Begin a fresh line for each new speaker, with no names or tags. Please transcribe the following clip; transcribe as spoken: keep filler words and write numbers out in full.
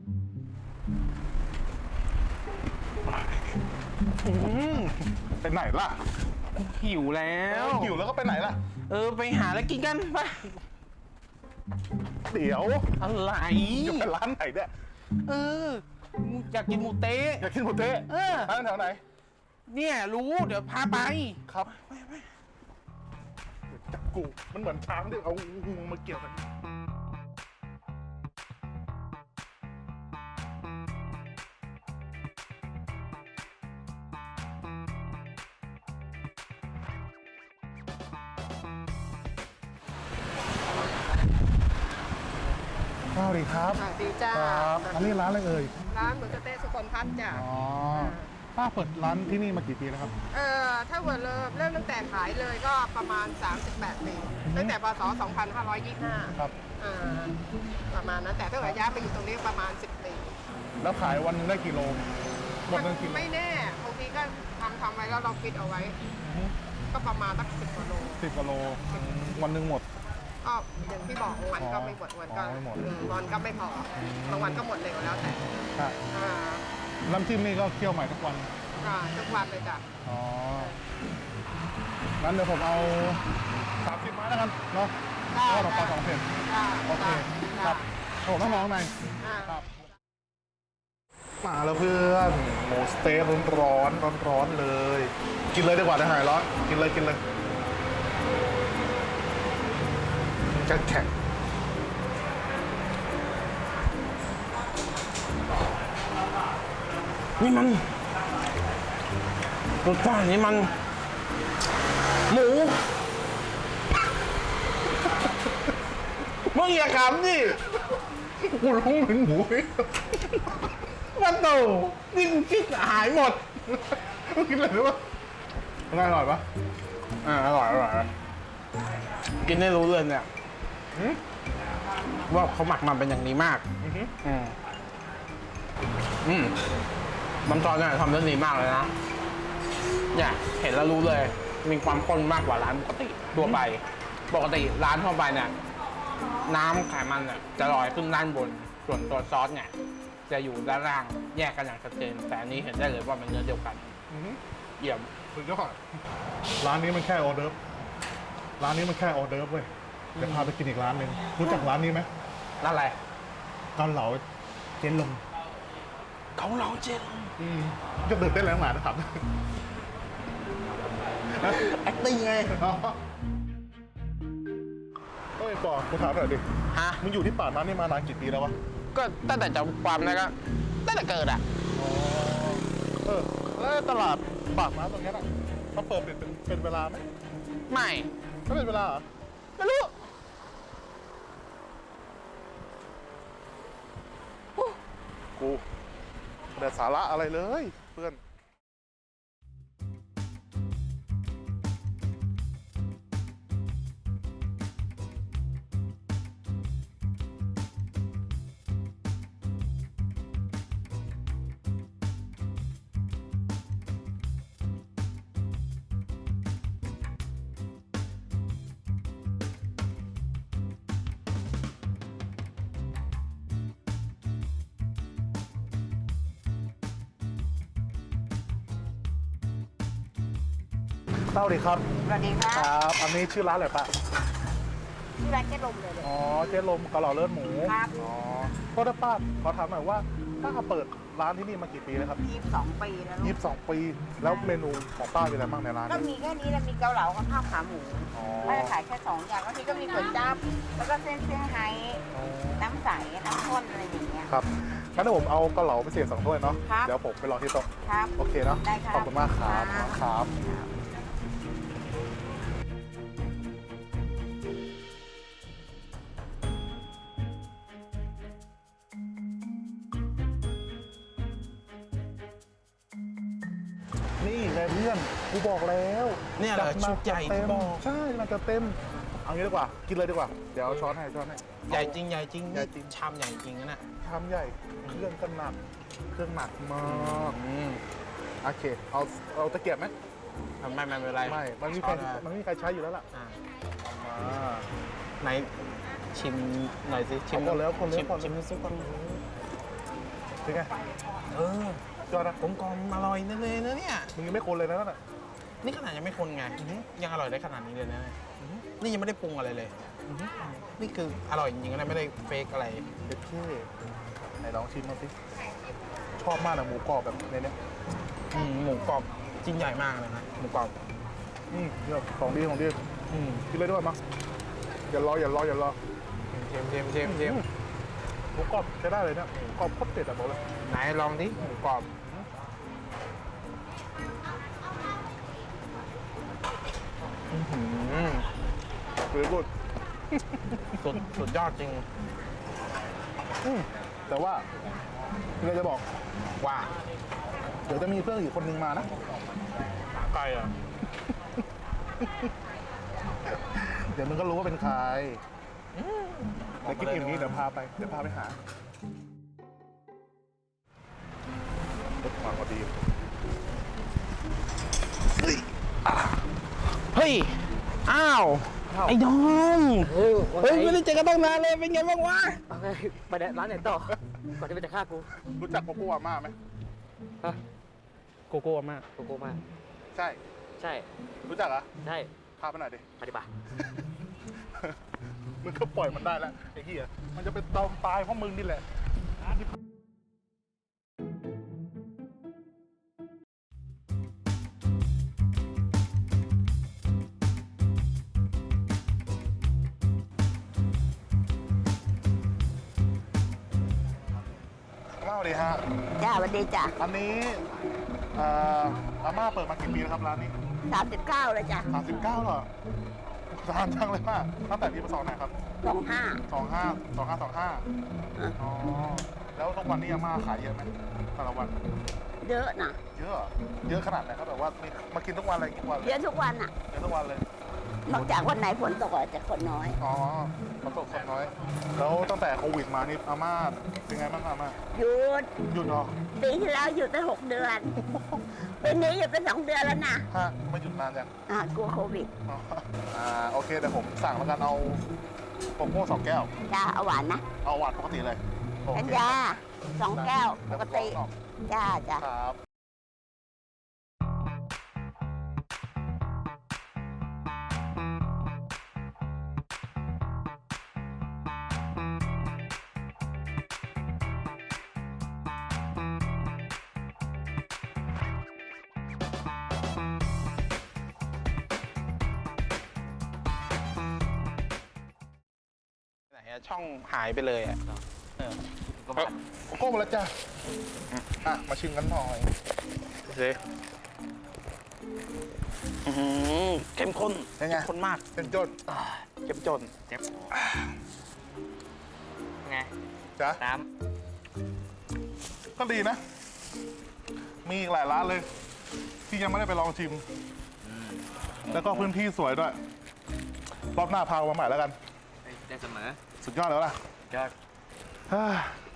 ไปไหนล่ะ
หิวแล้ว
หิวแล้วก็ไปไหนล่ะ
เออไปหาอะไรกินกันไป
เดี๋ยว
อะไร
จะไปร้านไหนเนี่ย
เอออยากกินหมูเต๊ะ
อยากกินหมูเต๊ะ
เออ
ร้านแถวไหน
เนี่ยรู้เดี๋ยวพาไป
ครับจับกูมันเหมือนช้างที่เอาหูมาเกี่ยวกันสวัสดีครับ
สวัสดีจ้า
ครับอันนี้ร้านอะไรเอ่ย
ร้านหมูสะเต๊ะสุคนพัฒน์จ้ะ
อ๋อป้าเปิดร้านที่นี่มากี่ปีแล้วครับ
เออถ้าเวิร์ดเริ่มเริ่มตั้งแต่ขายเลยก็ประมาณสามสิบแปดปีตั้งแต่พศสองพันห้าร้อยยี่สิบห้า
ครับ
อ่าประมาณนั้นแต่ถ้าเกิดย้ายไปอยู่ตรงนี้ประมาณสิบปี
แล้วขายวันนึงได้กี่โลหมดเงินกี่โล
ไม่แน่บางทีก็ทำทำไว้แล้วเราคิดเอาไว้ก็ประมาณสักสิบกว่าโล
สิบกว่าโลวันนึงหมด
ก็อย่างที่บอกวันก็ไม่หมดวันก็วันก็ไม่พอบางวันก็หมดเร็วแล้วแต่
น้ำจิ้มนี่ก็เคี่ยวใหม่ทุกวัน
ทุกวันเลยจ้ะ
อ๋องั้นเดี๋ยวผมเอาสามสิบไม้แล้วกันเนาะก็ดอกปลาสองเผ็ดโอเคครับผมต้องมองในครับมาแล้วเพื่อนหมูสเต๊กร้อนร้อนร้อนเลยกินเลยดีกว่าจะหายร้อนกินเลยกินเลยแข็งแข็ง
นี่มันรสชาตินี่มันหมูมึงอย่าขำดิ
กูรู้ถึงหมู
มันโตนี่กูคิดหายหมด
มึงกินอะไรรู้ปะอร่อยปะอ่าอร่อยอร่อย
กินได้รู้เลยเนี่ยว่าเขาหมักมันเป็นอย่างนี้มากอืมอืมน้ำซอสเนี่ยทำได้ดีมากเลยนะเนี่ยเห็นแล้วรู้เลยมีความข้นมากกว่าร้านปกติทั่วไปปกติร้านทั่วไปเนี่ยน้ำไขมันเนี่ยจะลอยขึ้นด้านบนส่วนตัวซอสเนี่ยจะอยู่ด้านล่างแยกกันอย่างชัดเจนแต่อันนี้เห็นได้เลยว่ามันเนื้อเดียวกันเยี่ยม
สุดยอดร้านนี้มันแค่ออเดิร์ฟร้านนี้มันแค่ออเดิร์ฟเว้ยเดี๋ยวพาไปกินอีกร้านหนึ่งรู้จักร้านนี้ไหม
ร้านอะไร
เกาเหลาเจนลง
เกาเหลาเจนลง
จะตื่นเต้นแล้วหมานะครับ
แอคติ้งไง
เฮ้ยปอกูถามหน่อยดิ
ฮะ
มึงอยู่ที่ป่านั้นนี่มานานกี่ปีแล้ววะ
ก็ตั้งแต่จำความนะก็ตั้งแต่เกิดอ่ะ
อ๋อเออแล้วตลาดปากน้ำตรงนี้อ่ะเขาเปิดเป็นเป็นเวลาไหม
ไม่
ไม่เป็นเวลาเหรอ
ไม่รู้
กูไม่ได้สาระอะไรเลยเพื่อนสวัสดีครับ
สวัสดีครับ
ครับอันนี้ชื่อร้านอะไรปะ
ชื่อร้านเจ๊ลมเลย
อ๋อเจ๊ลมเกาเหลาเลือดหมู
ครับ
อ๋อก็ได้ป้าขอถามหน่อยว่าป้าเปิดร้านที่นี่มากี่ปีแล้วครับ
ยี่สิบสองปีแล้ว
ยี่สิบสองปีแล้วเมนูของป้าเป็นอะไรบ้างในร้าน
ก็มีแค่นี้แล้วมีเกาเหลากับข้าวขาหมูป้าจะขายแค่สองอย่างบางทีก็มีก๋วยจั๊บแล้วก็เส้นเซี่ยงไฮ้น้ำใสน้ำข้นอะไรอย่างเงี้ย
ครับงั้นผมเอาเกาเหลาพิเศษสองถ้วยเนาะเดี๋ยวผมไปรอที่โต๊ะ
ครับ
โอเคเนาะขอบคุณมากครับครับนี่ไงเพื่อนกูบอกแล้ว
เนี่ยแหละชุดใหญ่บอก
ใช่มันจะเต็มเอางี้ดีกว่ากินเลยดีกว่าเดี๋ยวช้อนให้ช้อนให้
ใหญ่จริงใหญ่จริงใหญ่จริงชามใหญ่จริงนะเนี่ย
ชามใหญ่เครื่องก็หนักเครื่องหนักมากโอเคเอาเอาตะเกียบไหม
ไม่ไม่เป็นไร
ไม่มันมีใครมันมีใครใช้อยู่แล้วล่ะ
ไหนชิมหน่อยสิชิม
ก่อนแล้วคน
ชิมชิมซุปก่อน
เป็นไง
เออยอดกลมกลมอร่อยนั่นเลยนะเนี่ย
มึงยังไม่คนเลยนะนั่นน่ะ
นี่ขนาดยังไม่คนไงยังอร่อยได้ขนาดนี้เลยนะนี่ยังไม่ได้ปรุงอะไรเลยนี่คืออร่อยจริงๆนะไม่ได้เฟกอะไร
เด็ดเท่ไหนลองชิมมาสิชอบมากนะหมูกรอบแบบในเนี้ย
อืมหมูกรอบชิ้นใหญ่มากเลยนะหมูกรอบ
อืมเนี่ยของดีของดี
อืม
กินเลยด้วยมั้งอย่ารออย่ารออย่ารอ
เค็มเค็มเค็มเค็ม
หมูกรอบใช้ได้เลยเนี่ยหมูกรอบโคตรเด็ดอะบอกเลย
ไหนลองดิหมูกรอบอื้อหือ
หรือกุด
สุดสุดยอดจริง
อืมแต่ว่าเราจะบอก
ว่า
เดี๋ยวจะมีเพื่อนอีกคนนึงมานะ
ไก่อ่ะ
เดี๋ยวมึงก็รู้ว่าเป็นใครเดี๋ยวกินอิ่มนี้เดี๋ยวพาไปเดี๋ยวพาไปหาเด็ดความพอดี
เฮ้ย อ้าว ไอ้ดอม
เฮ้ย
เฮ้ย ไม่ได้เจอกันตั้งนานเลย เป็นไงบ้างวะ
ไปเดี๋ยวร้านไหนต่อ ก่อนที่มันจะฆ่ากู
รู้จักโกโก้อาม่าไหม
ฮะ
โกโก้มาก
โกโก้มาก
ใช่
ใช่
รู้จักเหรอ
ใช่
พาไปหน่อยดิ
ปฏิบัติ
มึงก็ปล่อยมันได้แล้วไอ้เหี้ยมันจะเป็นตอมตายเพราะมึงนี่แหละ อาม่าสวัสดีฮะ
จ้าสวัสดีจ้ะ
อันนี้เอ่ออาม่าเปิดมากี่ปีแล้วครับร้านนี้
สามสิบเก้าเลยจ้ะ
สามสิบเก้าเหรอทานจังเลยมากตั้งแต่ปีพศไหนครับ
สองห้า
สองห้าสองห้าสองห้าอ๋อ แล้วทุกวันนี้อาม่าขายเยอะไหมแต่ละวัน
เยอะนะ
เยอะเหรอเยอะขนาดไหนครับแบบว่ามีมากินทุกวันอะไรทุกวันเลย
เยอะทุกวันอ่ะ
เยอะทุกวันเลย
นอกจากวันไหนฝนตกอาจจะคนน้อย
อ๋อฝนตกฝนน้อย แล้วตั้งแต่โควิดมานี่อาม่าเป็นไงบ้างครับอาม่า
หยุด
หยุดเหรอ
ปีที่แล้วหยุดไปหกเดือนปีนี้หยุดไปสองเดือนแล้วนะ
ฮะไม่หยุดนานจัง
อ่ากลัวโควิด
อ๋ออ่าโอเคเดี๋ยวผมสั่งแล้วกันเอาโกโก้สองแก้ว
จ้าเอาหวานนะ
เอาหวานปกติเลยโอ
กัญ
เค
ญาสองแก้วปกติ
แล้ว
จ้าจ้า
ครับ
ไหนอะช่องหายไปเลยอะเออ
โกโก้มาแล้วจ้าอ่ะมาชิมกันหน่อย
ดูสิอื้อหือเข้มข้น
เป็นไง
เข้มข้นมาก
เป็นจน
เข้มจน
เจ็บไง
จ้ะ
น้
ก็ดีนะ มีอีกหลายร้านเลย ที่ยังไม่ได้ไปลองชิม แล้วก็พื้นที่สวยด้วย รอบหน้าพามาใหม่แล้วกัน
ำได้เสมอ
สุดยอดแล้วล่ะ
ยอด
เฮ้ย